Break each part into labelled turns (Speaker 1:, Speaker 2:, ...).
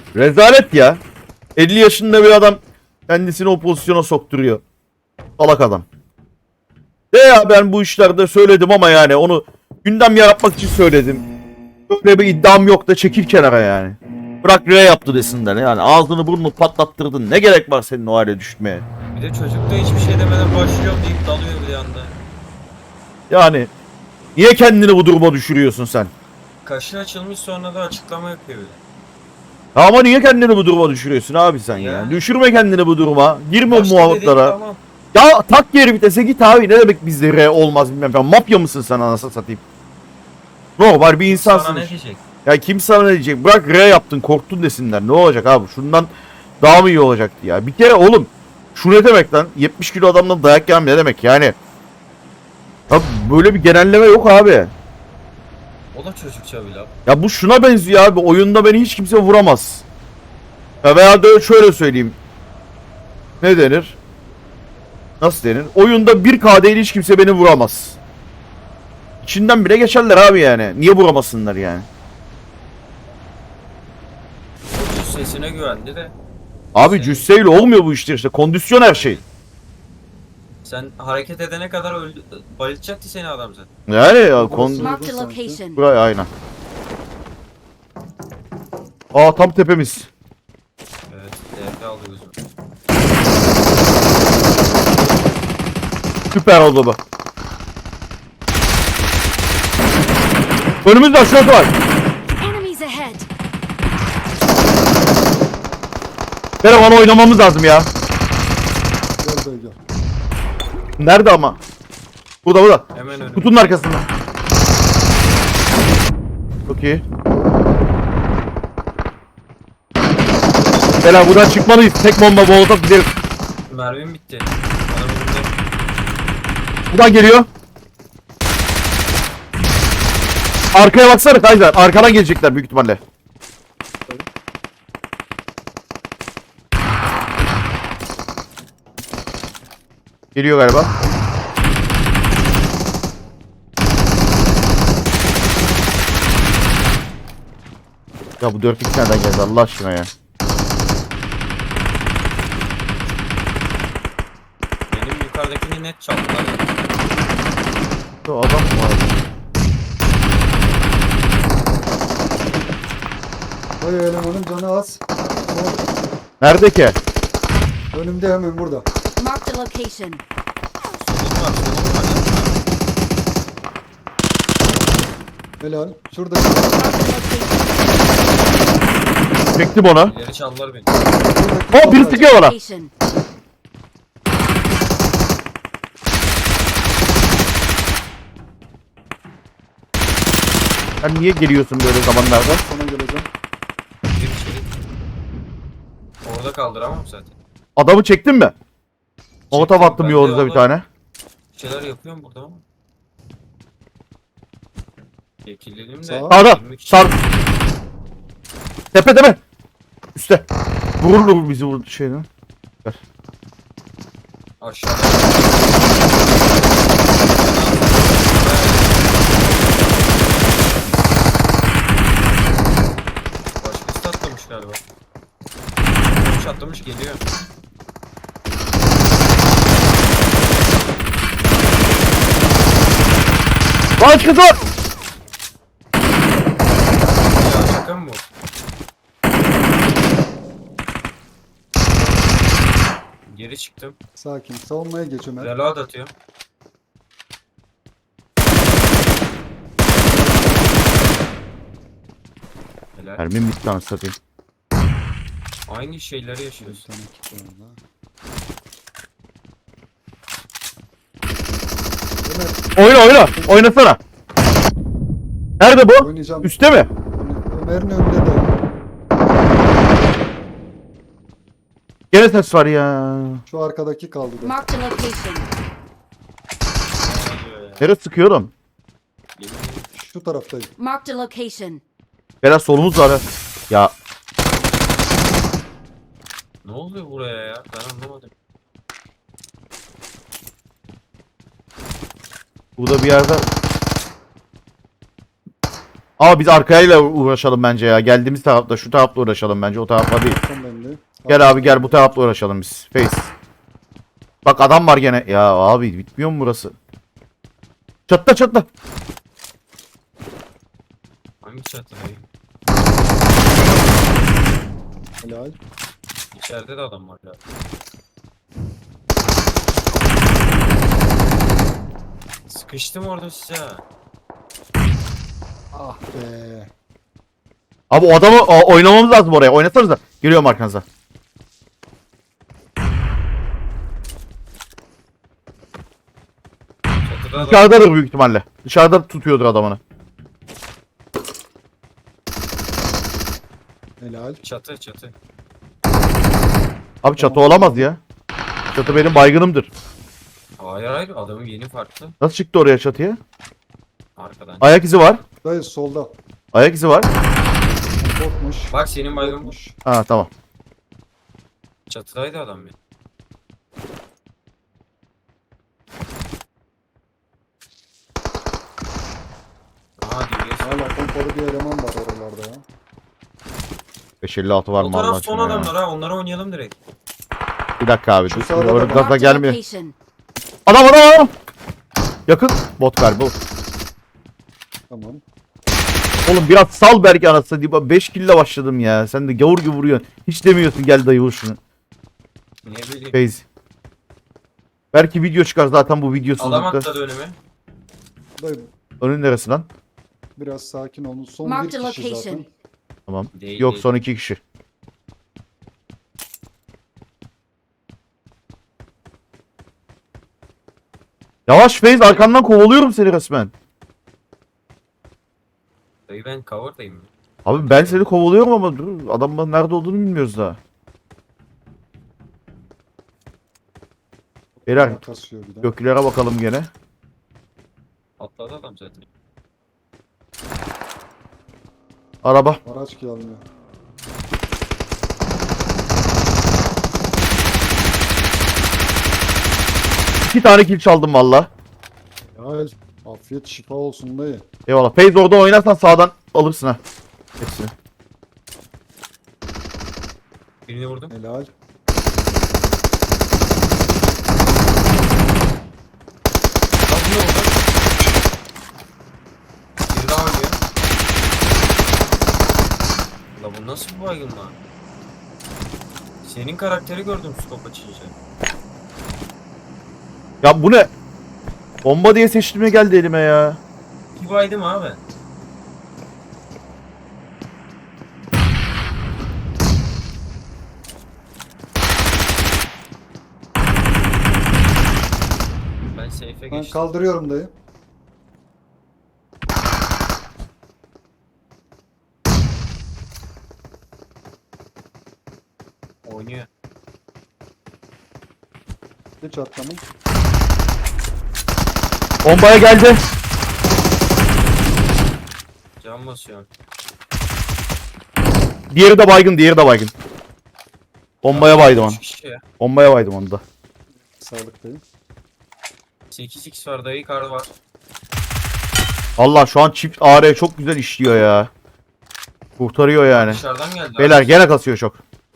Speaker 1: Rezalet ya. 50 yaşında bir adam kendisini o pozisyona sokturuyor. Salak adam. De ya ben bu işlerde söyledim ama yani onu gündem yaratmak için söyledim. Böyle bir iddiam yok da çekil kenara yani. Bırak R yaptı desinler yani ağzını burnunu patlattırdın. Ne gerek var senin o hale düşmeye?
Speaker 2: Bir de çocuk da hiçbir şey demeden başlıyorum deyip dalıyor bir anda.
Speaker 1: Yani niye kendini bu duruma düşürüyorsun sen?
Speaker 2: Kaşı açılmış sonra da açıklama yapıyor bile.
Speaker 1: Ama niye kendini bu duruma düşürüyorsun abi sen ya?
Speaker 2: Ya.
Speaker 1: Düşürme kendini bu duruma. Girme o
Speaker 2: Başta dedik,
Speaker 1: muhabbetlara.
Speaker 2: tamam.
Speaker 1: Ya tak geri vitese git abi. Ne demek bizde R olmaz bilmem falan. Mafya mısın sen anasını satayım? Normal bir insansın.
Speaker 2: Sana ne diyecek?
Speaker 1: Ya kim sana ne diyecek? Bırak R yaptın korktun desinler. Ne olacak abi? Şundan daha mı iyi olacaktı ya? Bir kere oğlum şu ne demek lan? 70 kilo adamdan dayak yemem ne demek yani? Ya böyle bir genelleme yok abi.
Speaker 2: O da çocukça bir laf.
Speaker 1: Ya bu şuna benziyor abi. Oyunda beni hiç kimse vuramaz. Ya veya da şöyle söyleyeyim. Ne denir? Nasıl denir? Oyunda 1K değil hiç kimse beni vuramaz. İçinden bile geçerler abi yani. Niye vuramasınlar yani?
Speaker 2: O sesine güvendi de.
Speaker 1: Abi
Speaker 2: Senin-
Speaker 1: cüsseyle olmuyor bu işler işte. Kondisyon her şey.
Speaker 2: Sen hareket edene kadar bayıltacaktı seni adam zaten.
Speaker 1: Yani ya
Speaker 3: Marked a location.
Speaker 1: Buraya aynen. Aa tam tepemiz.
Speaker 2: Evet, DP aldı gözüm.
Speaker 1: Süper oldu bu. Önümüzde aşağıda var.
Speaker 3: Enemies ahead.
Speaker 1: Beraber oynamamız lazım ya.
Speaker 4: Gel dayı gel.
Speaker 1: Nerede ama? Burada.
Speaker 2: Hemen önümde.
Speaker 1: Kutunun arkasında. Çok iyi. Bela buradan çıkmalıyız. Tek bomba molotof gideriz.
Speaker 2: Mermim bitti. Adam önümde.
Speaker 1: Buradan geliyor. Arkaya baksana Kaiser. Arkadan gelecekler büyük ihtimalle. Geliyor galiba. Ya bu 4x nereden geldi Allah aşkına ya.
Speaker 2: Benim yukarıdakini net çaldılar.
Speaker 1: Şu adam mı var?
Speaker 4: Dayı elemanın canı az.
Speaker 1: Nerede ki?
Speaker 4: Önümde hemen burada.
Speaker 3: Marked a location.
Speaker 2: Solum var, solum var.
Speaker 4: Helal. Şurada.
Speaker 3: Marked a location.
Speaker 1: Çektim onu.
Speaker 2: İleri çaldılar beni.
Speaker 1: O biri sıkıyor bana.
Speaker 3: Location.
Speaker 1: Sen niye geliyorsun böyle zamanlarda?
Speaker 4: Sana geleceğim.
Speaker 2: Gir içeri. Orada kaldıramam zaten.
Speaker 1: Adamı çektin mi? Molotov
Speaker 2: Çektim,
Speaker 1: attım
Speaker 2: ben de
Speaker 1: yoğurduza bir
Speaker 2: valla
Speaker 1: tane.
Speaker 2: Bir şeyler yapıyorum burada ama. Çekildim de.
Speaker 4: Sağ.
Speaker 1: Sağda.
Speaker 2: 23
Speaker 1: Sar. Tepe. Üste. Vurur bizi vurdu şeyden. Ver.
Speaker 2: Aşağıda. Başkası atlamış galiba. Atlamış geliyor.
Speaker 1: Başkası var.
Speaker 2: Ya şaka mı bu? Geri çıktım.
Speaker 4: Sakin. Savunmaya geç Ömer.
Speaker 2: Reload atıyorum. Helal.
Speaker 1: Mermim bitti anasını satayım.
Speaker 2: Aynı şeyleri yaşıyoruz.
Speaker 4: Bir tane kit var orada. Ömer
Speaker 1: Oynasana. Nerede bu?
Speaker 4: oynayacağım.
Speaker 1: Üste mi?
Speaker 4: Ömer'in önünde dayı.
Speaker 1: Gene ses var ya.
Speaker 4: Şu arkadaki kaldı da.
Speaker 3: Marked a location.
Speaker 1: Nereye sıkıyorum?
Speaker 4: Şu taraftayım.
Speaker 3: Marked a location.
Speaker 1: Biraz solumuz var ha. Ya
Speaker 2: Ne oluyor buraya ya? Ben anlamadım.
Speaker 1: burada bir yerde Ama biz arkayla uğraşalım bence ya. Geldiğimiz tarafta, şu tarafla uğraşalım bence. O tarafla değil.
Speaker 4: Son bende.
Speaker 1: Gel abi gel, bu tarafla uğraşalım biz. Face. Bak adam var gene. Ya abi bitmiyor mu burası? Çatla çatla.
Speaker 2: Hangi çatıdayım?
Speaker 4: Helal.
Speaker 2: İçeride de adam var ya. Sıkıştım orada size.
Speaker 4: Ah be.
Speaker 1: Abi o adamı oynamamız lazım oraya. Oynasanıza. Geliyorum arkanıza.
Speaker 2: Çatıda adam.
Speaker 1: Dışarıdadır büyük ihtimalle. Dışarıda tutuyordur adamını.
Speaker 4: Helal.
Speaker 2: Çatı.
Speaker 1: Abi çatı olamaz ya. Çatı benim baygınımdır.
Speaker 2: Hayır adamın yeni farklı.
Speaker 1: Nasıl çıktı oraya çatıya?
Speaker 2: Arkadan.
Speaker 1: Ayak izi var.
Speaker 4: Dayı solda.
Speaker 1: Ayak izi var.
Speaker 4: Botmuş.
Speaker 2: Bak senin baygın bu.
Speaker 4: Botmuş.
Speaker 1: Ha tamam.
Speaker 2: Çatıdaydı adam benim. Aha DBS.
Speaker 4: Hala pompalı bir eleman var oralarda ya.
Speaker 1: 556 var
Speaker 2: O
Speaker 1: mı
Speaker 2: taraf
Speaker 1: Allah
Speaker 2: son
Speaker 1: aşkına ya.
Speaker 2: adamlar ha, onlara oynayalım direkt.
Speaker 1: Bir dakika abi.
Speaker 4: Şu
Speaker 1: Dur.
Speaker 4: sağda da
Speaker 1: Orada
Speaker 4: var.
Speaker 1: gaza
Speaker 3: Marked a
Speaker 1: gelmiyor.
Speaker 3: location.
Speaker 1: Adam. Yakın. Bot galiba.
Speaker 4: Tamam.
Speaker 1: Oğlum biraz sal belki anasını diye. 5 kill'le başladım ya. Sen de gavur gibi vuruyorsun. Hiç demiyorsun gel dayı vur şunu.
Speaker 2: Ne bileyim.
Speaker 1: Feyzi. Belki video çıkar zaten bu
Speaker 2: Adam
Speaker 1: videosuzlukta.
Speaker 2: atladı önüme.
Speaker 4: Dayı
Speaker 1: Önün neresi lan?
Speaker 4: biraz sakin olun. Son
Speaker 3: Marked
Speaker 4: bir
Speaker 3: a
Speaker 4: kişi
Speaker 3: location.
Speaker 4: zaten.
Speaker 1: Tamam.
Speaker 2: Değil,
Speaker 1: Yok
Speaker 2: değil.
Speaker 1: son 2 kişi. Yavaş Feyz, arkandan kovalıyorum seni resmen.
Speaker 2: Dayı ben cover'dayım.
Speaker 1: Abi ben seni kovalıyorum ama dur, adamın nerede olduğunu bilmiyoruz daha. Beyler
Speaker 4: Kasıyor bir de.
Speaker 1: göklere bakalım gene.
Speaker 2: Atladı adam zaten.
Speaker 1: Araba.
Speaker 4: Araç gelmiyor.
Speaker 1: İki tane kill çaldım valla.
Speaker 4: Helal. Afiyet şifa olsun dayı.
Speaker 1: Eyvallah. Feyz orada oynarsan sağdan alırsın ha. Hepsini.
Speaker 2: Birini vurdum.
Speaker 4: Helal.
Speaker 2: Lan bu ne oldu? Bir daha oynuyor. La bu nasıl bir baygın lan? Senin karakteri gördüm scope açınca.
Speaker 1: Ya bu ne? Bomba diye seçtiğime geldi elime ya.
Speaker 2: Bir baydım abi. Ben safe'e
Speaker 4: Ben
Speaker 2: geçtim.
Speaker 4: kaldırıyorum dayı.
Speaker 2: Oynuyor.
Speaker 4: Hiç atlamam.
Speaker 1: Bombaya geldi.
Speaker 2: Can basıyor.
Speaker 1: Diğeri de baygın, diğeri de baygın. Bombaya baydım onu.
Speaker 2: 3 kişi ya.
Speaker 1: Bombaya baydım onu da.
Speaker 4: Sağlık dayı.
Speaker 2: 8x var dayı kar var.
Speaker 1: Allah şu an çift AR çok güzel işliyor ya. Kurtarıyor yani.
Speaker 2: Dışarıdan geldi.
Speaker 1: Beyler
Speaker 2: abi.
Speaker 1: gene kasıyor çok.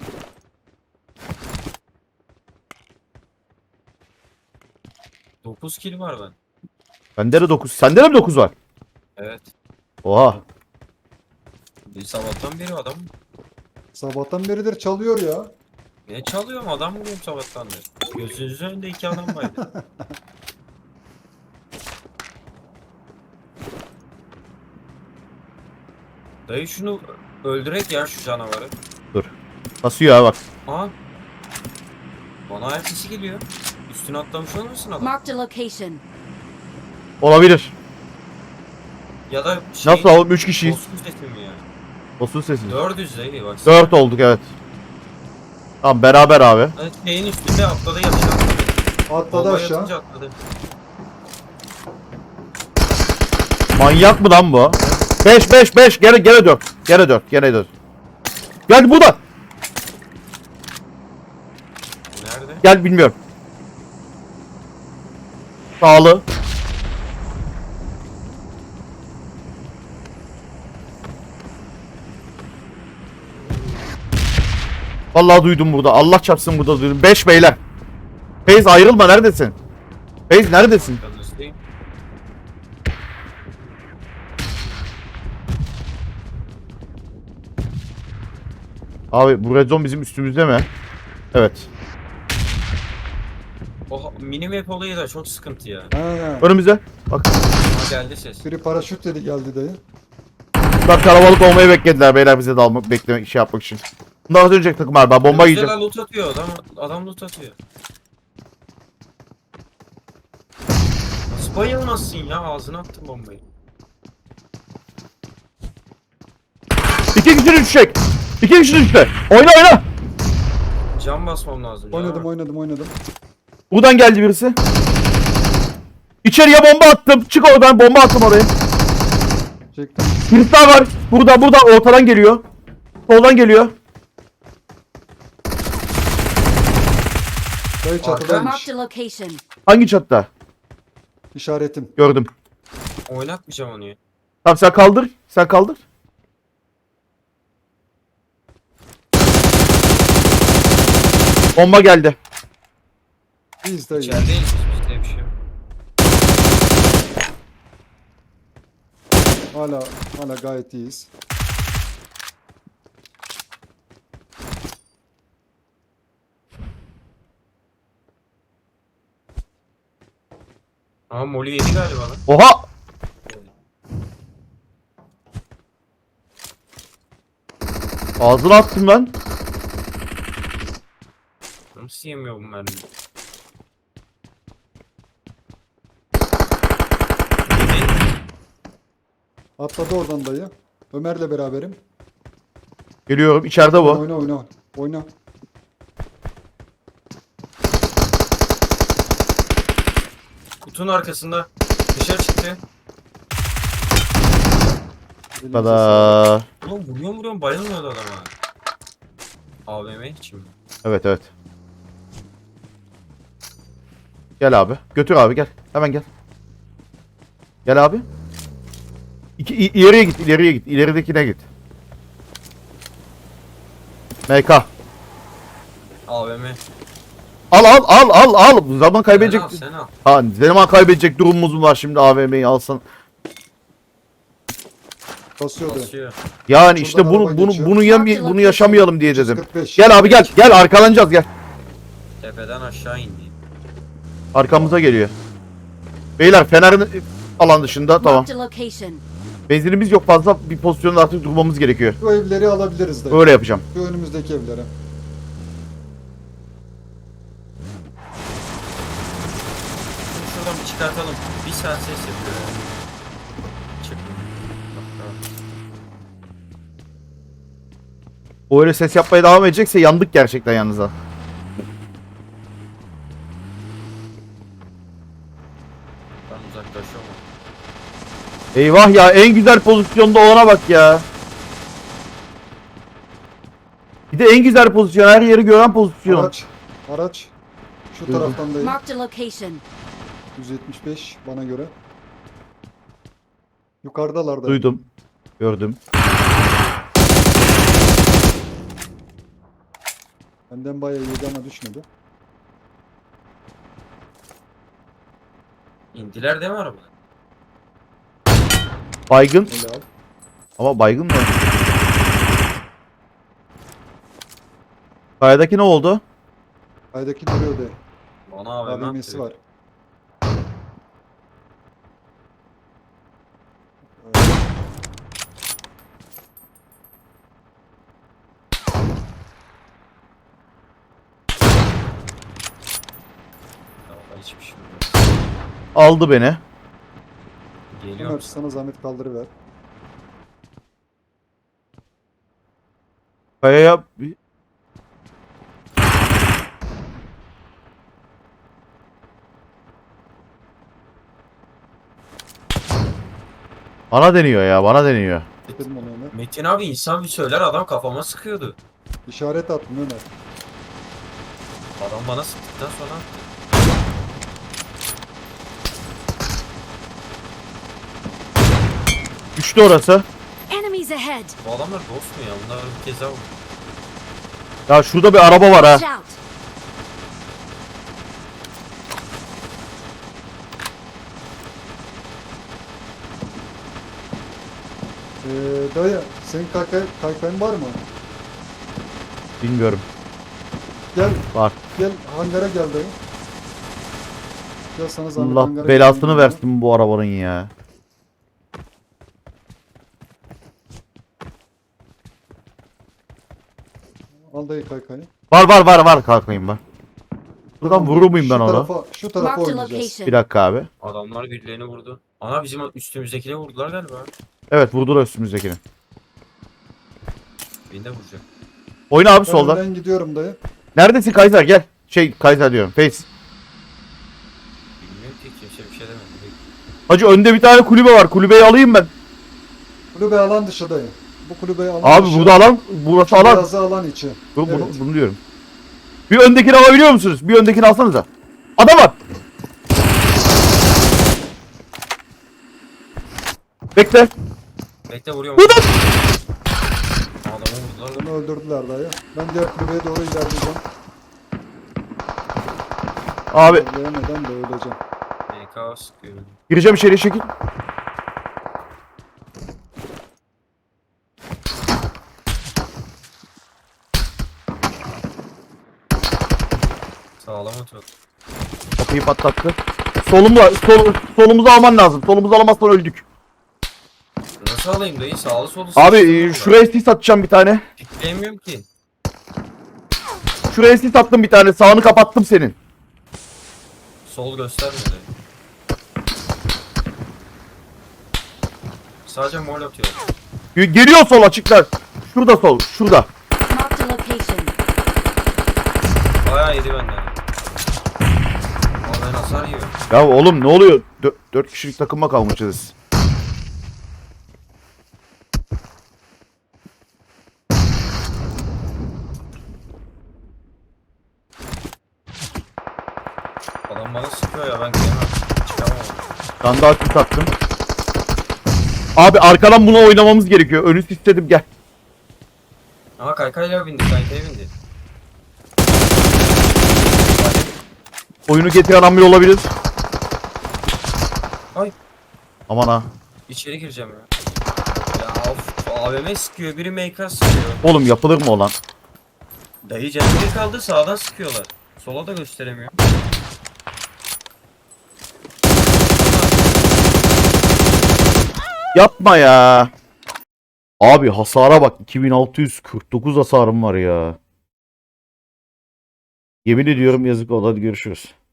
Speaker 2: Dokuz kill var ben.
Speaker 1: Bende de 9. Sende de mi 9 var?
Speaker 2: Evet.
Speaker 1: Oha.
Speaker 2: Bir sabahtan beri adam.
Speaker 4: Sabahtan beridir çalıyor ya.
Speaker 2: Ne çalıyorum adam mı diyorum sabahtan beri. Gözünüzün önünde 2 adam vardı. Dayı şunu öldürek ya şu canavarı.
Speaker 1: Kasıyor ha bak.
Speaker 2: Aha. Bana ayak sesi geliyor. Üstüne atlamış olmasın adam?
Speaker 3: Marked a location.
Speaker 1: Olabilir.
Speaker 2: Ya da şey...
Speaker 1: Nasıl oğlum 3 kişiyiz.
Speaker 2: Bozkurt sesi mi ya?
Speaker 1: Olsun sesini.
Speaker 2: 400 dayı bak.
Speaker 1: 4 olduk evet. Tamam beraber abi.
Speaker 2: Evet, şeyin üstünde atladı ya aşağı atladı.
Speaker 4: Atladı
Speaker 2: Bombaya
Speaker 4: aşağı.
Speaker 2: atınca atladı.
Speaker 1: Manyak mı lan bu? 5 gene 4. Gene 4. Gel bu da.
Speaker 2: Nerede?
Speaker 1: Gel bilmiyorum. Sağlı. Vallahi duydum burada. Allah çarpsın burada duydum. 5 beyler. Feyz ayrılma, neredesin? Feyz neredesin?
Speaker 2: Yalnızdayım.
Speaker 1: Abi bu red zone bizim üstümüzde mi? Evet.
Speaker 2: O mini map olayı da çok sıkıntı ya.
Speaker 4: He.
Speaker 1: Önümüze. Bak.
Speaker 2: Ha, geldi ses.
Speaker 4: Biri paraşüt dedi geldi dayı.
Speaker 1: Bunlar kalabalık olmayı beklediler beyler, bize de almak, beklemek, şey yapmak için. Bunlar dönecek takım abi. Bomba
Speaker 2: Güzel
Speaker 1: yiyeceğim.
Speaker 2: loot atıyor adam loot atıyor. Nasıl bayılmazsın ya, ağzına attın bombayı.
Speaker 1: 2 kişi düşecek. 2 kişi düştü. Oyna oyna.
Speaker 2: Can basmam lazım ya.
Speaker 4: Oynadım.
Speaker 1: Buradan geldi birisi. İçeriye bomba attım. Çık oradan, bomba attım oraya.
Speaker 4: Çektim.
Speaker 1: Birisi daha var. Burada ortadan geliyor. Soldan geliyor.
Speaker 4: Dayı çatıdaymış.
Speaker 3: Marked a location.
Speaker 1: Hangi çatıda?
Speaker 4: İşaretim.
Speaker 1: Gördüm.
Speaker 2: Oynatmayacağım onu ya.
Speaker 1: Tamam sen kaldır. Sen kaldır. Bomba geldi.
Speaker 4: Biz dayı.
Speaker 2: İçerideyiz, bizde bir şey yok.
Speaker 4: Hala gayet iyiyiz.
Speaker 2: Ama Molly yedi galiba lan.
Speaker 1: Oha! Ağzına attım lan.
Speaker 2: Nasıl yemiyor bu mermiyi? Yedi.
Speaker 4: Atladı oradan dayı. Ömer'le beraberim.
Speaker 1: Geliyorum. İçeride bu.
Speaker 4: Oyna.
Speaker 2: Kutunun arkasında dışarı çıktı.
Speaker 4: Elinize sağlık.
Speaker 1: Tada.
Speaker 2: Oğlum vuruyorum bayılmıyordu adama. AVM için mi?
Speaker 1: Evet. Gel abi. Götür abi, gel. Hemen gel. Gel abi. İleriye git. İleridekine git. MK.
Speaker 2: AVM.
Speaker 1: Al. Zaman kaybedecek.
Speaker 2: Sen al.
Speaker 1: Ha, zaman kaybedecek durumumuz mu var şimdi, AVM'yi alsan.
Speaker 4: Basıyor dayı.
Speaker 2: Basıyor.
Speaker 1: Yani işte
Speaker 4: Şuradan araba geçiyor.
Speaker 1: bunu yaşamayalım diye dedim.
Speaker 4: 45.
Speaker 1: Gel abi gel. Gel arkalanacağız, gel.
Speaker 2: Tepeden aşağı indi.
Speaker 1: Arkamıza geliyor. Beyler Fener'in alan dışında, tamam.
Speaker 3: Marked a location.
Speaker 1: Benzinimiz yok fazla, bir pozisyonda artık durmamız gerekiyor.
Speaker 4: Şu evleri alabiliriz dayı.
Speaker 1: Öyle yapacağım.
Speaker 4: Şu önümüzdeki evlere.
Speaker 2: Şunu şuradan bir çıkartalım. Bir saat ses yapıyor ya. Çık. Bak, tamam.
Speaker 1: O öyle ses yapmaya devam edecekse yandık gerçekten yalnız ha.
Speaker 2: Ben uzaklaşıyorum.
Speaker 1: Eyvah ya, en güzel pozisyonda olana bak ya. Bir de en güzel pozisyon, her yeri gören pozisyon.
Speaker 4: Araç. Şu
Speaker 1: Duydum.
Speaker 4: taraftan dayı.
Speaker 3: Marked a location.
Speaker 4: 175 bana göre. Yukarıdalar dayı.
Speaker 1: Duydum. Gördüm.
Speaker 4: Benden bayağı yedi ama düşmedi.
Speaker 2: İndiler değil mi araba?
Speaker 1: Baygın.
Speaker 4: Helal.
Speaker 1: Ama baygın mı? Kayadaki ne oldu?
Speaker 4: Aydaki duruyor dayı.
Speaker 2: Bana AVM
Speaker 4: AVM'si
Speaker 2: attı.
Speaker 4: var.
Speaker 2: Ya, hiçbir şey yok.
Speaker 1: Aldı beni.
Speaker 2: Geliyor
Speaker 4: Ömer
Speaker 2: musun?
Speaker 4: sana zahmet kaldırıver.
Speaker 1: Kayaya bana deniyor ya, bana deniyor.
Speaker 4: Dedim onu Ömer.
Speaker 2: Metin abi insan bir söyler, adam kafama sıkıyordu.
Speaker 4: İşaret attım Ömer.
Speaker 2: Adam bana sıktıktan sonra attı.
Speaker 1: Düştü orası.
Speaker 3: Enemies ahead.
Speaker 2: Bu adamlar dost mu ya? Bunlar bir kez daha vurdu.
Speaker 1: Ya şurada bir araba var ha.
Speaker 3: Watch out!
Speaker 4: Dayı senin kaykayın var mı?
Speaker 1: Bilmiyorum.
Speaker 4: Gel
Speaker 1: Var.
Speaker 4: gel hangara gel dayı. Gel sana zahmet hangara
Speaker 1: Allah belasını
Speaker 4: gel.
Speaker 1: versin bu arabanın ya.
Speaker 4: Al dayı kaykayı.
Speaker 1: Var kalkayım ben. Buradan vurur muyum ben
Speaker 4: Şu
Speaker 1: onu?
Speaker 4: Şu tarafa
Speaker 3: Marked a
Speaker 4: oynayacağız.
Speaker 1: Bir
Speaker 3: location.
Speaker 1: dakika abi.
Speaker 2: Adamlar birilerini vurdu. Ana bizim üstümüzdekine vurdular galiba.
Speaker 1: Evet vurdular üstümüzdekini.
Speaker 2: Beni de vuracak.
Speaker 1: Oyna abi
Speaker 4: Ben
Speaker 1: soldan.
Speaker 4: önden gidiyorum dayı.
Speaker 1: Neredesin Kaiser gel. Kaiser diyorum. Face.
Speaker 2: Bilmiyorum ki kimse bir şey demedi.
Speaker 1: Hacı önde bir tane kulübe var. Kulübeyi alayım ben.
Speaker 4: Kulübe alan dışı dayı. Bu kulübeyi alan
Speaker 1: Abi
Speaker 4: dışı.
Speaker 1: burada alan. Burası alan.
Speaker 4: Beyazı alan içi.
Speaker 1: Bunu,
Speaker 4: Evet.
Speaker 1: bunu diyorum. Bir öndekini alabiliyor musunuz? Bir öndekini alsanıza. Adam var. Bekle.
Speaker 2: Bekle vuruyorum.
Speaker 1: Vurdum.
Speaker 2: Adamı vurdular.
Speaker 4: Bunu öldürdüler dayı. Ben diğer kulübeye doğru ilerleyeceğim.
Speaker 1: Abi
Speaker 4: İlerleyemeden de öleceğim.
Speaker 2: MK sıkıyor.
Speaker 1: gireceğim içeriye çekil.
Speaker 2: Sağlam atıyor.
Speaker 1: Kapıyı patlattı. Solumuzu alman lazım. Solumuzu alamazsan öldük.
Speaker 2: Nasıl alayım dayı? Sağlı solu
Speaker 1: Abi
Speaker 2: sıkıştırdım
Speaker 1: şuraya sis atacağım bir tane.
Speaker 2: Pikleyemiyorum ki.
Speaker 1: Şuraya sis attım bir tane. Sağını kapattım senin.
Speaker 2: Sol göstermedi. Sadece mol atıyor.
Speaker 1: Geliyor sol açıklar. Şurada sol. Şurada.
Speaker 3: Marked a location.
Speaker 2: Bayağı yedi benden. Ama ben hasar yiyorum.
Speaker 1: Ya oğlum ne oluyor? 4 kişilik takıma kalmışız.
Speaker 2: Adam bana sıkıyor ya ben kıyamam. Çıkamam.
Speaker 1: Ben daha sis attım. Abi arkadan buna oynamamız gerekiyor. Önü istedim gel.
Speaker 2: Ama kaykayla bindi. Kaykaya bindi.
Speaker 1: Oyunu getiren amir olabilir.
Speaker 2: Ay.
Speaker 1: Aman ha.
Speaker 2: İçeri gireceğim ya. Ya of. AVM sıkıyor. Biri MK sıkıyor.
Speaker 1: Oğlum yapılır mı o lan?
Speaker 2: Dayı canı bir kaldı. Sağdan sıkıyorlar. Sola da gösteremiyor.
Speaker 1: Yapma ya. Abi hasara bak. 2649 hasarım var ya. Yemin ediyorum yazık oldu. Hadi görüşürüz.